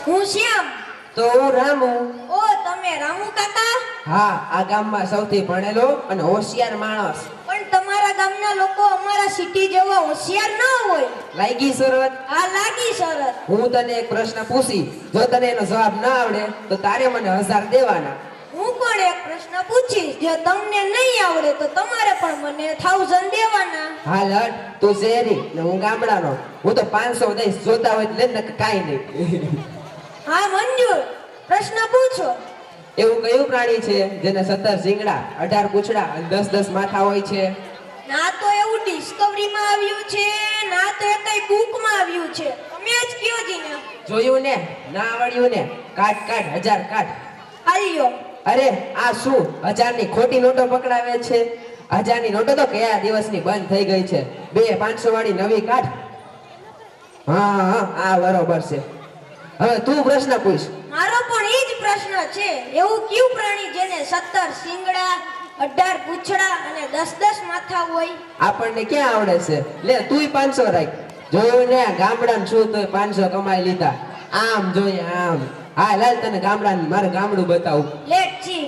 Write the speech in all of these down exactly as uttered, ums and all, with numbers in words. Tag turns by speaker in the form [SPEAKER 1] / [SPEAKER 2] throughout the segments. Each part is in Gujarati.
[SPEAKER 1] હું શ્યામ.
[SPEAKER 2] તો હું રામુ.
[SPEAKER 1] ઓ તમે રામુ કાકા?
[SPEAKER 2] હા, આ ગામમાં સૌથી ભણેલો અને હોશિયાર માણસ.
[SPEAKER 1] પણ તમારા ગામના લોકો અમારા સિટી જેવા હોશિયાર ન હોય.
[SPEAKER 2] લાગી શરત?
[SPEAKER 1] હા લાગી શરત.
[SPEAKER 2] હું તને એક પ્રશ્ન પૂછી, જો તને એનો જવાબ ના આવડે તો તારે મને હજાર દેવાના.
[SPEAKER 1] હું પણ એક પ્રશ્ન પૂછીશ, જો તમને નહીં આવડે તો તમારે પણ મને થાઉઝન્ડ દેવાના.
[SPEAKER 2] હા લડ, તું શહેરી ને હું ગામડાનો. હું તો પાંચસો દઈશ, જોતા હોય લે ને કાંઈ નહીં.
[SPEAKER 1] હા મંજૂર, પ્રશ્ન પૂછો.
[SPEAKER 2] એવું કયું પ્રાણી છે જેને સત્તર શિંગડા, અઢાર પૂંછડા અને દસ દસ માથા હોય છે?
[SPEAKER 1] ના તો એવું ડિસ્કવરીમાં આવ્યું છે, ના તો એ કઈ બુકમાં આવ્યું છે. તમે જ કયો જીને.
[SPEAKER 2] જોયું ને? ના આવડ્યું ને? કાટ કાટ, હજાર કાટ.
[SPEAKER 1] આલ્યો.
[SPEAKER 2] અરે આ શું હજાર ની ખોટી નોટો પકડાવે છે? હજાર ની નોટો તો કયા દિવસની બંધ થઈ ગઈ છે. બે પાંચસો વાળી નવી કાઢ. હા હા આ બરોબર છે. હવે તું પ્રશ્ન પૂછ.
[SPEAKER 1] મારો પણ એ જ પ્રશ્ન છે. એવું કયું પ્રાણી જેને સત્તર શિંગડા, અઢાર પૂંછડા અને દસ દસ માથા હોય?
[SPEAKER 2] આપણને ક્યાં આવડે છે? લે તુંય પાંચસો રાખ. જોયું ને, ગામડાનું શું તોય પાંચસો કમાઈ લીધા. આમ જોઈએ આમ. હા લાલ, તને ગામડાનું મારે ગામડું બતાવું.
[SPEAKER 1] Let see.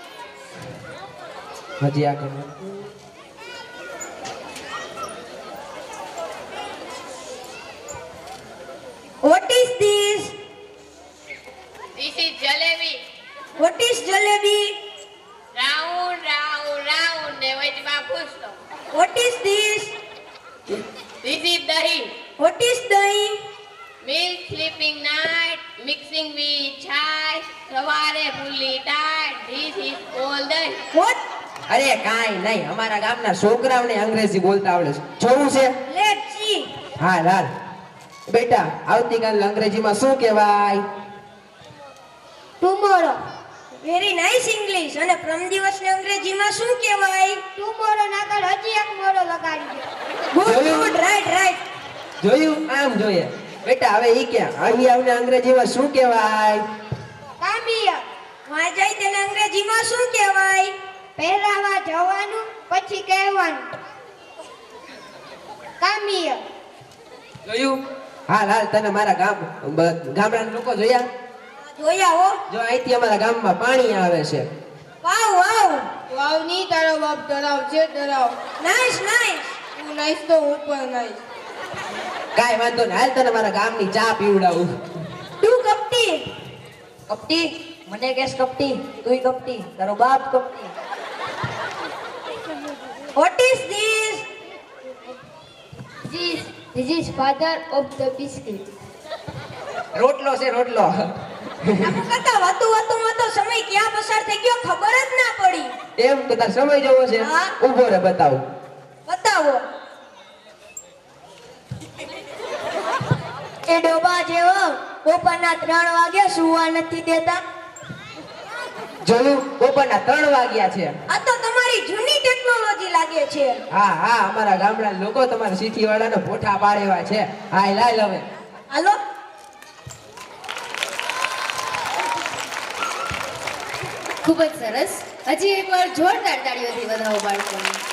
[SPEAKER 2] હજી આગળ.
[SPEAKER 1] What is this?
[SPEAKER 3] This is jalebi.
[SPEAKER 1] What is jalebi?
[SPEAKER 3] Round, round, round. ને વચમાં પૂછતો.
[SPEAKER 1] What is this?
[SPEAKER 3] This is dahi.
[SPEAKER 1] What is dahi?
[SPEAKER 3] Milk sleeping night, mixing with chai. સવારે fully tight. This is all dahi.
[SPEAKER 1] What?
[SPEAKER 2] અરે કાંઈ નહીં, અમારા ગામના છોકરાઓને અંગ્રેજી બોલતા આવડે છે. જોવું છે?
[SPEAKER 1] Let's see.
[SPEAKER 2] હા લાલ. બેટા, આવતીકાલ અંગ્રેજીમાં શું કહેવાય?
[SPEAKER 1] Tomorrow. Very nice English. અને પ્રમ દિવસને અંગ્રેજીમાં શું કહેવાય? Tomorrow ના કર હજી એક મોરો લગાડી દે. Good,
[SPEAKER 2] જોયું?
[SPEAKER 1] good, right, right.
[SPEAKER 2] જોયું? આમ જોઈએ. બેટા હવે ઈ કે અહીં આવને અંગ્રેજીમાં શું કહેવાય?
[SPEAKER 1] કામિયા. માં જાય તેને અંગ્રેજીમાં શું કહેવાય? પહેરાવા જવાનું પછી કહેવાનું. કામિયા.
[SPEAKER 2] જોયું? હા લાલ, તને મારા ગામ બ- ગામડાના લોકો જોયા?
[SPEAKER 1] જોયા હો.
[SPEAKER 2] જો અહીંથી અમારા ગામમાં પાણી આવે છે.
[SPEAKER 1] વાવ વાવ.
[SPEAKER 3] વાવ ની તારો બાપ તળાવ છે તળાવ.
[SPEAKER 1] Nice nice.
[SPEAKER 3] તું નાઈસ તો હું પણ નાઈસ.
[SPEAKER 2] કાંઈ વાંધો નહીં, હાલ તને મારા ગામની ચા પીવડાવું.
[SPEAKER 1] તું કપટી.
[SPEAKER 4] કપટી? મને કેસ કપટી? તુંય કપટી, તારો બાપ કપટી.
[SPEAKER 1] What is this?
[SPEAKER 5] This, this is father of the biscuit.
[SPEAKER 2] રોટલો છે રોટલો.
[SPEAKER 1] આમ કરતા વાતું વાતુંમાં તો સમય ક્યાં પસાર થઈ ગયો ખબર જ ના પડી.
[SPEAKER 2] એમ કે તાર સમય જોવો છે?
[SPEAKER 1] હા.
[SPEAKER 2] ઊભો રે બતાવું.
[SPEAKER 1] બતાવો. એ ડોબા જેવો બપોરના ત્રણ વાગે સુવા નથી દેતા.
[SPEAKER 2] જોયું? બપોરના ત્રણ વાગ્યા છે.
[SPEAKER 1] આ તો તમારી જૂની ટેકનોલોજી લાગે છે.
[SPEAKER 2] હા હા, અમારા ગામડાના લોકો તમારા સિટી વાળાને પોઠા પાડેવા છે. હા લાલ હવે.
[SPEAKER 1] હાલો.
[SPEAKER 5] ખૂબ જ સરસ. હજી એકવાર જોરદાર તાળીઓથી વધાવો બાળકોને.